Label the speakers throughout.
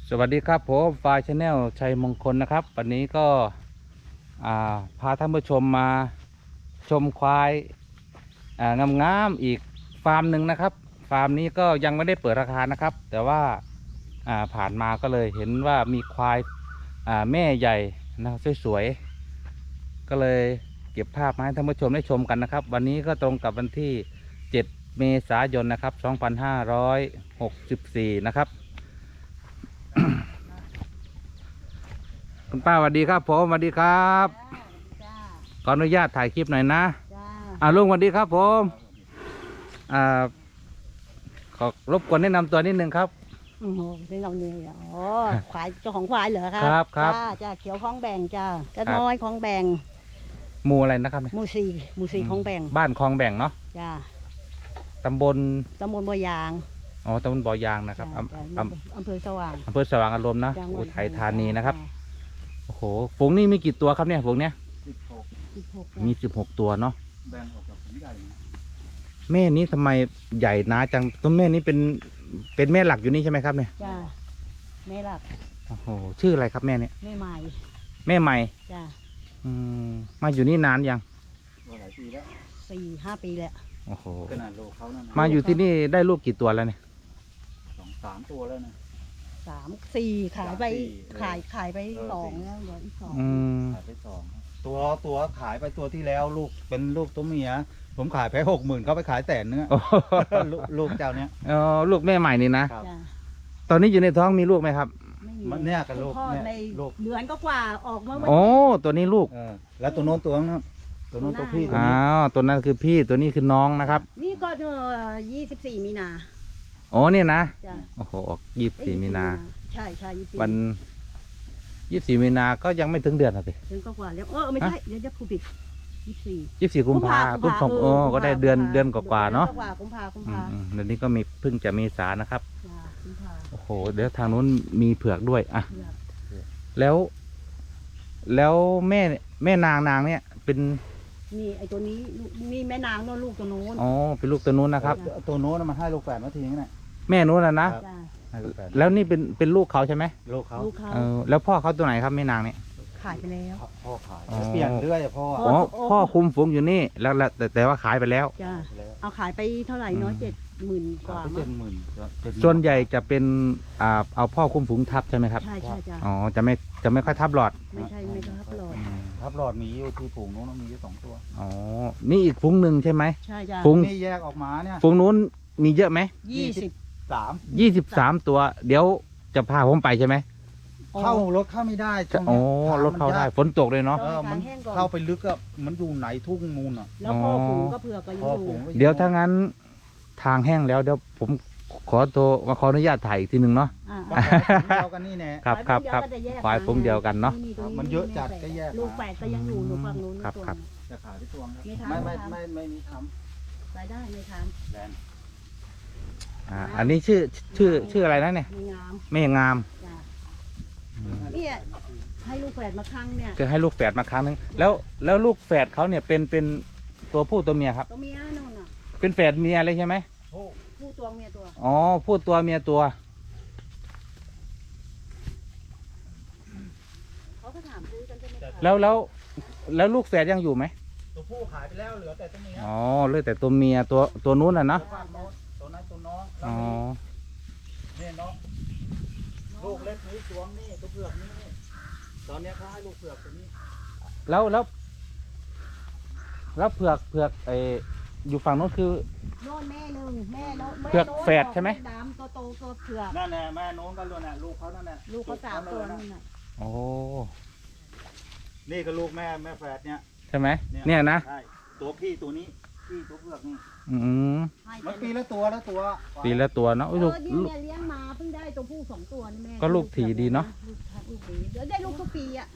Speaker 1: สวัสดีครับผมฟายชาแนลชัยมงคลนะครับวันนี้ก็พาท่านผู้ชมมาชมควายงามๆอีกฟาร์มหนึ่งนะครับฟาร์มนี้ก็ยังไม่ได้เปิดราคานะครับแต่ว่าผ่านมาก็เลยเห็นว่ามีควายแม่ใหญ่นะครับสวยๆก็เลยเก็บภาพมาให้ท่านผู้ชมได้ชมกันนะครับวันนี้ก็ตรงกับวันที่7 เมษายนนะครับ2564นะครับคุณป้าสวัสดีครับผมสวัสดีครับ
Speaker 2: จ้า
Speaker 1: ขออนุญาตถ่ายคลิปหน่อยนะ
Speaker 2: จ้า
Speaker 1: ลุงสวัสดีครับผมขอรบกวนแนะนำตัวนิดนึงครับ
Speaker 2: โอ้โหเป็นเราเนี่ยอ๋อควายเจ้าของควายเหรอครับ
Speaker 1: ครับ
Speaker 2: จ้าจ้าเขียวคลองแบ่งจ้าก็น้อยคลองแบ่ง
Speaker 1: หมู่อะไรนะครับ
Speaker 2: หมู่สี่คลองแบ่ง
Speaker 1: บ้านคลองแบ่งเนาะ
Speaker 2: จ้า
Speaker 1: ตำบล
Speaker 2: บัวยาง
Speaker 1: อ๋อตำบลบ่อยางนะครับ
Speaker 2: อำเภอสว่าง
Speaker 1: สว่างอารมณ์นะอุทัยธานีนะครับโอ้โหฝูงนี้มีกี่ตัวครับเนี่ยฝูงเนี้ยมี16 ตัวเนาะ
Speaker 3: แบ่งออกจากผมใหญ่
Speaker 1: แม่นี้ทำไมใหญ่หนาจังตัวแม่นี้เป็นแม่หลักอยู่นี่ใช่ไหมครับเนี่ย
Speaker 2: จ้าแม่หลัก
Speaker 1: โอ้โหชื่ออะไรครับแม่เนี่ย
Speaker 2: แม่ใหม่
Speaker 1: แม่ใหม่
Speaker 2: จ้า
Speaker 1: มาอยู่นี่นานยัง
Speaker 3: หลายปีแล้ว
Speaker 2: 4-5 ปีแล้ว
Speaker 1: โอ้โห
Speaker 3: ขนาดโลเขานั่น
Speaker 1: มาอยู่ที่นี่ได้ลูกกี่ตัวแล้วเนี่ย
Speaker 3: 2-3 ตัวแล้วนะ
Speaker 2: 3-4ขายไป2แล้วเหลืออีก2
Speaker 3: ขายไป2ตัวขายไปตัวที่แล้วลูกเป็นลูกตัวเมียผมขายไป60,000เขาไปขาย100,000เนื้อลูกเจ้าเนี้ย
Speaker 1: ลูกแม่ใหม่นี่นะตอนนี้อยู่ในท้องมีลูกไหมครับ
Speaker 3: มันเนี่ยกับลูก
Speaker 2: เนี่ยลูกเดือนก็กว่าออกมา
Speaker 1: โอ้ตัวนี้ลูก
Speaker 3: แล้วตัวโน้นตัวนั้นตัวโน้นตัวพี่
Speaker 1: ตัวนั้นคือพี่ตัวนี้คือน้องนะครับ
Speaker 2: นี่ก็24 มีนา
Speaker 1: อ๋อเนี่ยนะโอ้โห24 มีนา
Speaker 2: ใช่
Speaker 1: วัน24 มีนาก็ยังไม่ถึงเดือนสิ
Speaker 2: ถึงก็กว่าแล้วไม่ใช่เดี๋ยวจะพูดผิด
Speaker 1: 24 กุมภาพันธ์ก็ได้เดือนกว่าเนาะ
Speaker 2: กุมภา
Speaker 1: เดือนนี้ก็มีเพิ่งจะเมษานะครับโอ้โหเดี๋ยวทางนู้นมีเผือกด้วยอ่ะแล้วแม่นางเนี่ยเป็น
Speaker 2: นี่ไอตัวนี้นี่แม่นางโน่นลูกตัวโน้น
Speaker 1: อ๋อเป็นลูกตัวนู้นนะครับ
Speaker 3: ตัวโน้นมันให้ลูกแฝดมาทีนี้แหละ
Speaker 1: แม่นู้นนะแล้วนี่เป็นลูกเขาใช่ไหม
Speaker 3: ลูกเขา
Speaker 1: แล้วพ่อเขาตัวไหนครับแม่นางเนี่ย
Speaker 2: ขายไปแล้ว
Speaker 3: พ่อขายเปลี่ยนเรื่อย
Speaker 1: พ่อคุมฝูงอยู่นี่แล้วแต่ว่าขายไปแล้ว
Speaker 2: จ้าเอาขายไปเท่าไหร่เนาะ70,000 กว่า
Speaker 1: 70,000ส่วนใหญ่จะเป็นเอาพ่อคุมฝูงทับใช่ไหมครับ
Speaker 2: ใช่จ้า
Speaker 1: อ๋อจะไม่ค่อยทับหลอด
Speaker 2: ไม่ทับหลอด
Speaker 3: ทับหลอดมีอยู่ที่ฝูงนู้นมีอยู่2 ตัว
Speaker 1: อ๋อนี่อีกฝูงหนึ่งใช่ไหม
Speaker 2: ใช่จ้า
Speaker 1: ฝูง
Speaker 3: นี่แยกออกมาเนี่ย
Speaker 1: ฝูงนู้นมีเยอะไหม23 ตัวเดี๋ยวจะพาผมไปใช่ไหม
Speaker 3: เข้ารถเข้าไม่ได้
Speaker 1: โอ้รถเข้าได้ฝนตกเลยเนาะ
Speaker 3: มันเข้าไปลึกอะมันอยู่ไหนทุ่งนูนอะ
Speaker 2: แล้วพ่อฝูงก็เผือกก็อยู่
Speaker 1: เดี๋ยวถ้างั้นทางแห้งแล้วเดี๋ยวผมขออนุญาตถ่ายอีกทีหนึ่งเนาะ
Speaker 3: เดียวกันนี่แน่
Speaker 1: ครับฝ่ายผมเดียวกันเนาะ
Speaker 3: มันเยอะจัดก็แยก
Speaker 2: ลูกแฝดก็ยังอยู่หนูฝั่งนู้น
Speaker 1: ครับ
Speaker 3: จะขายไปตัวไม่มีท
Speaker 2: ำรายได้ไม่ทำ
Speaker 1: อันนี้ชื่ออะไรนะเนี่ยแม่งาม
Speaker 2: เนี่ยให้ลูกแฝดมาครั้งเนี่ย
Speaker 1: คือให้ลูกแฝดมาครั้งนึงแล้วลูกแฝดเขาเนี่ยเป็นตัวผู้ตัวเมียครับ
Speaker 2: ตัวเมียนู่นน่ะ
Speaker 1: เป็นแฝดเมียเลยใช่ไหม
Speaker 2: ผู้ตัวเมียตัว
Speaker 1: อ๋อผู้ตัวเมียตัว
Speaker 2: เขาก็ถามซื้อกันใช่ไหม
Speaker 1: แล้วลูกแฝดยังอยู่ไหม
Speaker 3: ตัวผู้ขายไปแล้วเหลือแต่ตัวเมีย
Speaker 1: อ๋อเหลือแต่ตัวเมียตัวนู้นน่ะนะ
Speaker 3: ตัวนั้นตัวน้อง
Speaker 1: อ๋อ
Speaker 3: เนี่ยน้องลูกเล็กนี้ตัวนี้ตัวเผือกนี้ตอนนี้เขาให้ลูกเผือกตัวนี้
Speaker 1: แล้วเผือกอยู่ฝั่งโน้นคือ
Speaker 2: โน่นแม่หนึ่งแม่โน้น
Speaker 1: เผือกแฝดใช่ไหม
Speaker 2: ดำตัวโตตัวเผือก
Speaker 3: นั่นแหละแม่โน้นก็รู้น่ะลูกเขานั่นแหละ
Speaker 2: ลูกเขา3 ตัวนั่นน่ะ
Speaker 1: โอ้
Speaker 3: นี่ก็ลูกแม่แฝดเนี่ย
Speaker 1: ใช่ไหมเนี่ยนะ
Speaker 3: ใช่ตัวพี่ตัวนี้พี่ตัวเผือกนี่มันปีละตัว
Speaker 1: เนาะ
Speaker 2: ลูกเนี่ยเลี้ยงมาเพิ่งได้ตัวผู้2 ตัวนี่แม่
Speaker 1: ก็ลูกถี่ดีเนาะ
Speaker 2: เดี๋ยวได้ลูกทุกปีอ่ะ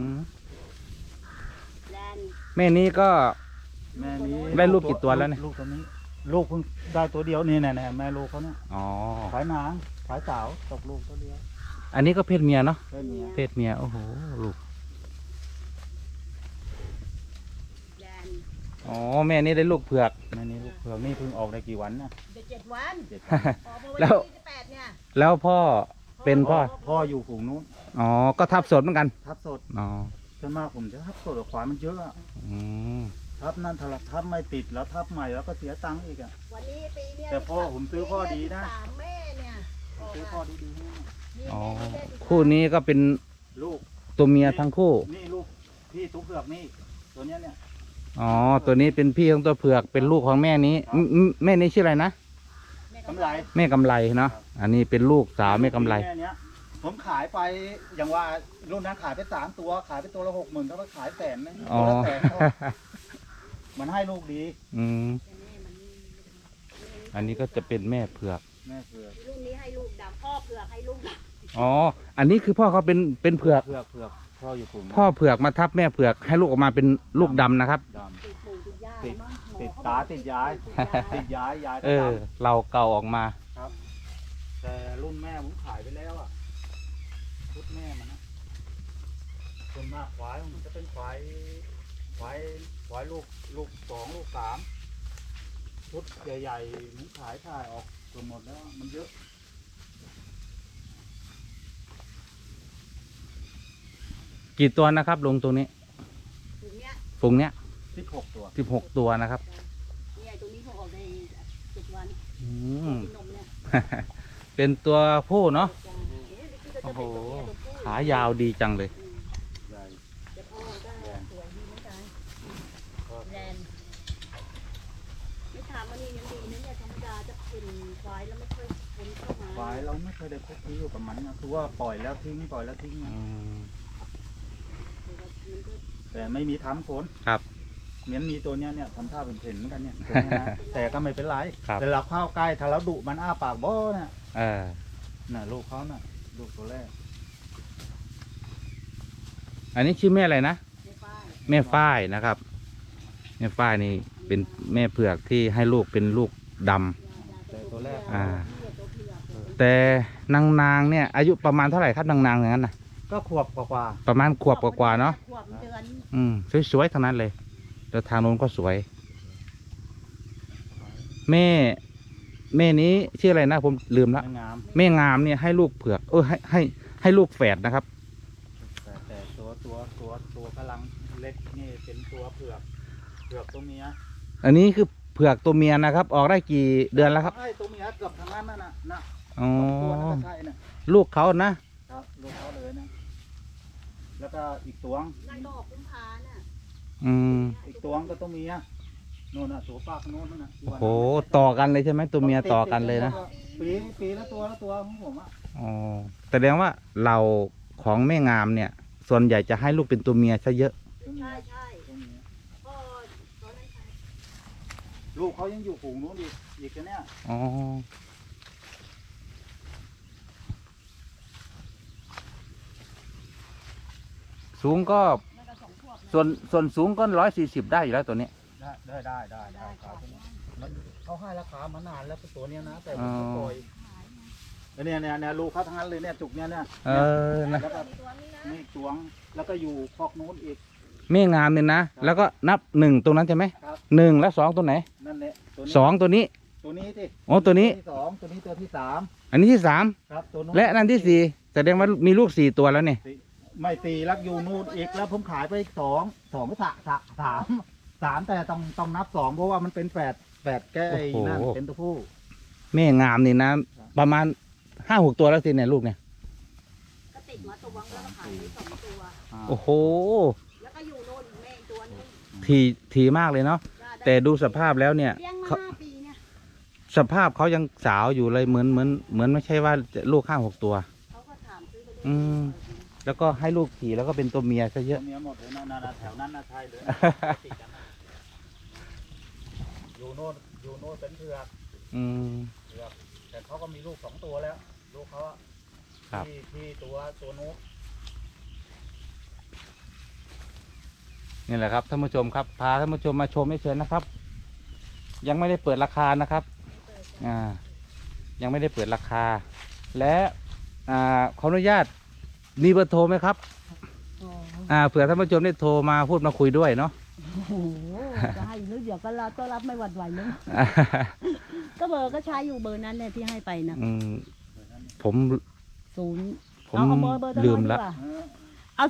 Speaker 1: แม่นี้ก็
Speaker 3: แม่นี้
Speaker 1: ได้ลูกกี่ตัวแล้วเนี่ย
Speaker 3: ลูกตัวนี้ลูกเพิ่งได้ตัวเดียวนี่แน่แม่ลูกเขาเนี่ยขายนางขายสาวตกลูกตัวเดียว
Speaker 1: อันนี้ก็เพศเมียเนาะเพศเมียโอ้โหลูกอ๋อแม่นี่ได้ลูกเผือก
Speaker 3: แม่นี่ลูกเผือกนี่เพิ่งออกได้กี่วันนะ
Speaker 2: 7 วัน
Speaker 1: แล้วพ่อเป็เป็นพ่อ
Speaker 3: พ่ออยู่ฝูงนู้น
Speaker 1: อ๋อก็ทับสดเหมือนกัน
Speaker 3: ทับสด
Speaker 1: อ๋อ
Speaker 3: ส่วนมากผมจะทับสดกับควายมันเยอะอะ
Speaker 1: อืม
Speaker 3: ทับนั่นทับไม่ติดแล้วทับใหม่แล้วก็เสียตังค์อีกอ่ะ
Speaker 2: วันนี้ปีเนี้ย
Speaker 3: แต่พ่อผมซื้อพ่อดีนะ
Speaker 2: สามแม่เนี่ย
Speaker 3: ซื้อพ่อดีๆให้
Speaker 1: อ๋อคู่นี้ก็เป็น
Speaker 3: ลูก
Speaker 1: ตัวเมียทั้งคู่
Speaker 3: นี่ลูกพี่ตุ๊กเผือกนี่ตัวเนี้ยเนี่ย
Speaker 1: อ๋อตัวนี้เป็นพี่ของตัวเผือกเป็นลูกของแม่นี้แม่นี้ชื่ออะไรนะ
Speaker 3: กำไร
Speaker 1: แม่กำไรเนาะอันนี้เป็นลูกสาวแม่กำไร
Speaker 3: แม่เนี้ยผมขายไปอย่างว่ารุ่นนั้นขายไป3 ตัวขายไปตัวละ60,000ก็ไปขายแสนนึง
Speaker 1: อ๋
Speaker 3: ตั
Speaker 1: อ
Speaker 3: วละแสนมันให้ลูกดี
Speaker 1: อืมอันนี้ก็จะเป็นแม่เผือก
Speaker 3: แม่เผือก
Speaker 2: รุ่นนี้ให้ลูกดำพ่อเผือกให้ลูกด
Speaker 1: อ๋ออันนี้คือพ่อเขาเป็นเผือก
Speaker 3: เผือกพ่ออยู่กลุ่ม
Speaker 1: พ่อเผือกมาทับแม่เผือกให้ลูกออกมาเป็นลูกดำนะครับ
Speaker 3: ด
Speaker 2: ำติดปู่ติดย่า
Speaker 3: ติด
Speaker 2: มั้งหมอ
Speaker 3: ติด
Speaker 2: เข
Speaker 3: ตา
Speaker 2: บอก
Speaker 3: ติดย้าย
Speaker 2: ติดยา
Speaker 3: ยาย
Speaker 1: เออ เราเก่าออกมา
Speaker 3: ครับแต่รุ่นแม่ผมขายไปแล้วอ่ะชุดแม่มันนะส่วนมากควายมันจะเป็นควายลูก2ลูก3ชุดใหญ่ๆผมขายถ่ายออกจนหมดแล้วมันเยอะ
Speaker 1: กี่ตัวนะครับลงตรงนี้
Speaker 2: ถึงเนี้ย
Speaker 1: ฝูงเนี้ย
Speaker 3: 16 ตัว
Speaker 1: 16 ตัวนะครับ
Speaker 2: เนี่ยตัวนี้เขาออกใน7 วัน
Speaker 1: อืม
Speaker 2: กินนมเนี่ย
Speaker 1: เป็นตัวผู้เนาะ
Speaker 2: จ้ะเอ๊ะนี่ก็จะ
Speaker 1: โอ้
Speaker 2: เป็น
Speaker 1: โห
Speaker 2: ตัวผู้
Speaker 1: ขายาวดีจังเลย
Speaker 3: ใหญ่
Speaker 2: แต่พ่อก็สวยดีเหมือนกันแลนด์ไม่ถามว่านี่ยังดีนะเนี่ยธรรมดาจะเป็นควายแล้วไม่ค่อยคนเข้ามา
Speaker 3: ควายเราไม่เคยได้คุกคีอยู่กับมันนะคือว่าปล่อยแล้วทิ้งนะ
Speaker 1: อืม
Speaker 3: แต่ไม่มีทำฝน
Speaker 1: ครับ
Speaker 3: เหมือนมีตัวเนี้ยเนี่ยทำท่าเป็นเพ่นเหมือนกันเนี่ยตัวเนี้ยนะแต่ก็ไม่เป็นไร
Speaker 1: ครับ
Speaker 3: แต่เราเข้าใกล้ถ้าเราดุมันอ้าปากโบ้เนี่ย
Speaker 1: เออ
Speaker 3: น่ะลูกเขาน่ะลูกตัวแรก
Speaker 1: อันนี้ชื่อแม่อะไรนะ
Speaker 2: ในป้าย
Speaker 1: แม่ฝ้ายนะครับ แม่ฝ้ายนี่เป็นแม่เผือกที่ให้ลูกเป็นลูกดำ
Speaker 3: แต่ตัวแรก
Speaker 1: อ่า แต่นางเนี่ย อายุประมาณเท่าไหร่ครับนางอย่างนั้นนะ
Speaker 3: ก็ขวบกว่า
Speaker 1: ประมาณขวบกว่าๆเนาะ
Speaker 2: ขวบเดือน
Speaker 1: อืมสวยๆทั้งนั้นเลยแล้วทางโน้นก็สวย แม่นี้ชื่ออะไรนะผมลืม
Speaker 3: ๆ
Speaker 1: ละ
Speaker 3: ไม่งาม
Speaker 1: แม่งามเนี่ยให้ลูกเผือกให้ลูกแฝดนะครับ
Speaker 3: แต่ตัวกำลังเล็กนี่เป็นตัวเผือกตัวเมีย
Speaker 1: อันนี้คือเผือกตัวเมียนะครับ ออกได้กี่เดือนแล้วครับ
Speaker 3: ไอ้ตัวเมียเกือบทั้งนั้นน่ะนะ
Speaker 1: อ๋อ
Speaker 3: ตัวนั้นก็ใช่น่ะ
Speaker 1: ลูกเขานะครับ
Speaker 3: ลูกเขาเลยนะแล้วก็อีกตัว
Speaker 2: นั่นก็ออกกุมภาน่ะ
Speaker 1: อืม
Speaker 3: อีกตัวก็ตัวเมียนู่นน่ะตัวป้าคนโน้นนั่นน่ะ
Speaker 1: โอ้โหต่อกันเลยใช่ไหมตัวเมียต่อกันเลยนะ
Speaker 3: ปีละตัวของผมอ่ะ
Speaker 1: อ๋อแสดงว่าเราของแม่งามเนี่ย ส่วนใหญ่จะให้ลูกเป็นตัวเมียซะเยอะ
Speaker 2: ใช่ใช่
Speaker 3: ตัวเมีย
Speaker 2: พ่อตอนนั้นใช่
Speaker 3: ลูกเขายังอยู่ฝูงนู้นอีกนะเนี่ย
Speaker 1: อ๋อสูงก็
Speaker 2: นั่นก็2 ขวบนะ
Speaker 1: ส่วนสูงก็140ได้อยู่แล้วตัวนี้
Speaker 3: ได้ครับมันเขาให้ราคามานานแล้วตัวเนี้ยนะแต่ผมก็ปล่อยแล้วเนี่ยลูกเขาทั้งนั้นเลยเนี่ยจุกเนี่ย
Speaker 1: เออนะ
Speaker 3: แล้วก็
Speaker 2: มีตัวนี้นะ
Speaker 3: นี่ตวงแล้วก็อยู่คอกนู้นอีก
Speaker 1: แม่งามเนี่ยนะ แล้วก็นับ1ตรงนั้นใช่ไหม
Speaker 3: ครับ
Speaker 1: 1แล้ว2ตัวไหน
Speaker 3: นั่นแหละตัวนี้
Speaker 1: 2ตัวนี้
Speaker 3: ตัวนี้สิ
Speaker 1: อ๋อตัวนี้
Speaker 3: ที่2ตัวนี้ตัวที่3
Speaker 1: อันนี้ที่
Speaker 3: ครับตัวนู้น
Speaker 1: 3และอันที่4แสดงว่ามีลูก4ตัวแล้วเนี่ย
Speaker 3: ไม่ตีรักอยู่นู่นอีกแล้วผมขายไปอีก2ไม่สามแต่ต้องนับ2เพราะว่ามันเป็นแฝดแก้ไอ้นั่นเป็นตัวผู้
Speaker 1: แม่งามนี่นะ ประมาณ5-6 ตัวแล้วสิเนี่ยลูกเนี่ย
Speaker 2: ก็ติดมาตัววังแล้วก็ขายไป2 ตัว
Speaker 1: โอ้โห
Speaker 2: แล้วก็อยู่โน่นอีกแม่อีกตัวนึง
Speaker 1: ทีมากเลยเนาะแต่ดูสภาพแล้วเนี่ย
Speaker 2: เลี้ยงมา
Speaker 1: เขา
Speaker 2: 5 ปีเนี่ย
Speaker 1: สภาพเขายังสาวอยู่เลยเหมือนไม่ใช่ว่าจะลูก5-6 ตัว
Speaker 2: เขาก็ถามซื้อไป
Speaker 1: อืม แล้วก็ให้ลูกขี่แล้วก็เป็นตัวเมียซะเย
Speaker 3: ตั
Speaker 1: อะ
Speaker 3: วเมียหมดเลยนะแถวนั้นนะใช่เลยติดกันนะอยู่โน่นเป็นเผือก
Speaker 1: อืม
Speaker 3: แต่เขาก็มีลูก2 ตัวแล้ว ลูกเขาอะ
Speaker 1: ครับ
Speaker 3: ที่ตัวนู้น
Speaker 1: นี่แหละครับท่านผู้ชมครับพาท่านผู้ชมมาชมเฉยๆนะครับ ยังไม่ได้เปิดราคานะครับยังไม่ได้เปิดราคา และขออนุญาตมีเบอร์โทรไหมครับ
Speaker 2: อ๋อ
Speaker 1: เผื่อท่านผู้ชมได้โทรมาพูดมาคุยด้วยเนาะ
Speaker 2: โอ้โหจะให้หรือเดี๋ยวก็รับไม่หวั่นไหวเลยก็เบอร์ก็ใช้อยู่เบอร์นั้นเนี่ยที่ให้ไปนะ
Speaker 1: ผม
Speaker 2: ศูนย์
Speaker 1: ผม
Speaker 2: เอาเบอร์
Speaker 1: ลืมละ
Speaker 3: เออ
Speaker 2: เอา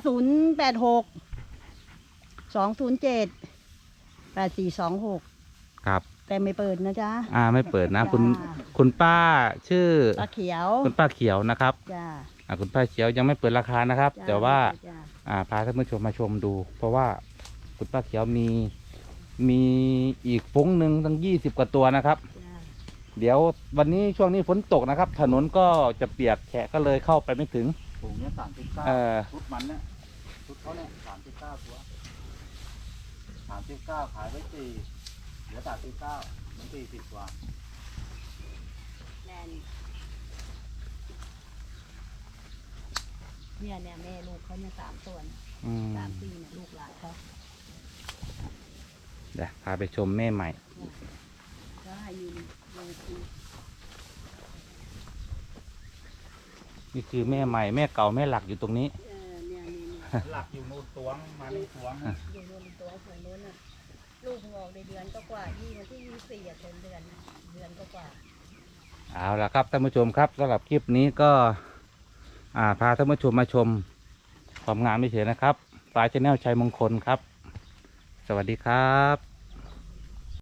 Speaker 2: 086 207 8426
Speaker 1: ครับ
Speaker 2: แต่ไม่เปิดนะจ๊ะ
Speaker 1: ไม่เปิดนะ
Speaker 2: จ้า
Speaker 1: คุณป้าชื่อ
Speaker 2: ปลาเขียว
Speaker 1: คุณป้าเขียวนะครับ
Speaker 2: จ้า
Speaker 1: คุณป้าเขียวยังไม่เปิดราคานะครับ
Speaker 2: จ้
Speaker 1: แต่ว่า
Speaker 2: จ้า
Speaker 1: พาท่านผู้ชมมาชมดู เพราะว่าคุณป้าเขียวมีอีกฟุ้งหนึ่งตั้ง20 กว่าตัวนะครับ
Speaker 2: จ้า
Speaker 1: เดี๋ยววันนี้ช่วงนี้ฝนตกนะครับ ถนนก็จะเปียกแฉะก็เลยเข้าไปไม่ถึง
Speaker 3: ถุงเนี้ย39
Speaker 1: เออ
Speaker 3: ชุดมันเนี่ยชุดเขาเนี่ย39ตัว39ขายไป4เหลือ39มัน40กว่า
Speaker 2: แนนเนี่ยแม่ลูกเขาเนี่ย3 ตัวเนี่ย
Speaker 1: อืม
Speaker 2: 3 4เนี่ยลูกหลานเขา
Speaker 1: เดี๋ยวพาไปชมแม่ใหม่
Speaker 2: ก็ให้ยืนดูที
Speaker 1: นี่คือแม่ใหม่แม่เก่าแม่หลักอยู่ตรงนี้
Speaker 2: เนี่ย
Speaker 3: หลักอยู่นู่นตวงมานี่ตวง
Speaker 2: อยู่รวมตัวฝั่งนู้นน่ะลูกงอกในเดือนก็กว่าที่วันที่24อ่ะเต็มเดือนก็กว่า
Speaker 1: เอาละครับท่านผู้ชมครับสำหรับคลิปนี้ก็ พาท่านผู้ชมมาชมความงามไม่เฉยนะครับปลายชแนลชัยมงคลครับ สวัสดีครับ